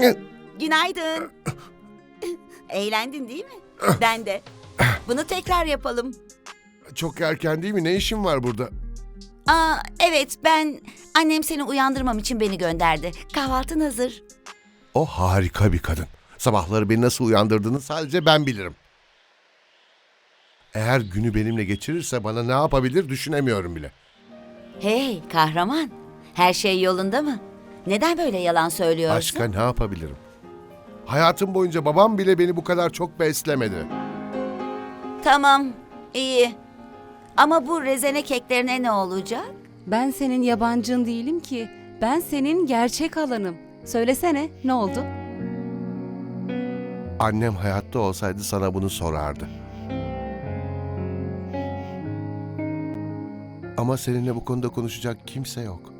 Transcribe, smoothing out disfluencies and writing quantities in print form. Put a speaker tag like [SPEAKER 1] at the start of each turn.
[SPEAKER 1] Günaydın. Eğlendin değil mi? Ben de. Bunu tekrar yapalım.
[SPEAKER 2] Çok erken değil mi? Ne işin var burada?
[SPEAKER 1] Evet, annem seni uyandırmam için beni gönderdi. Kahvaltın hazır.
[SPEAKER 2] O harika bir kadın. Sabahları beni nasıl uyandırdığını sadece ben bilirim. Eğer günü benimle geçirirse bana ne yapabilir düşünemiyorum bile.
[SPEAKER 1] Hey kahraman, her şey yolunda mı? Neden böyle yalan söylüyorsun?
[SPEAKER 2] Başka ne yapabilirim? Hayatım boyunca babam bile beni bu kadar çok beslemedi.
[SPEAKER 1] Tamam, iyi. Ama bu rezene keklerine ne olacak?
[SPEAKER 3] Ben senin yabancın değilim ki. Ben senin gerçek alanım. Söylesene, ne oldu?
[SPEAKER 2] Annem hayatta olsaydı sana bunu sorardı. Ama seninle bu konuda konuşacak kimse yok.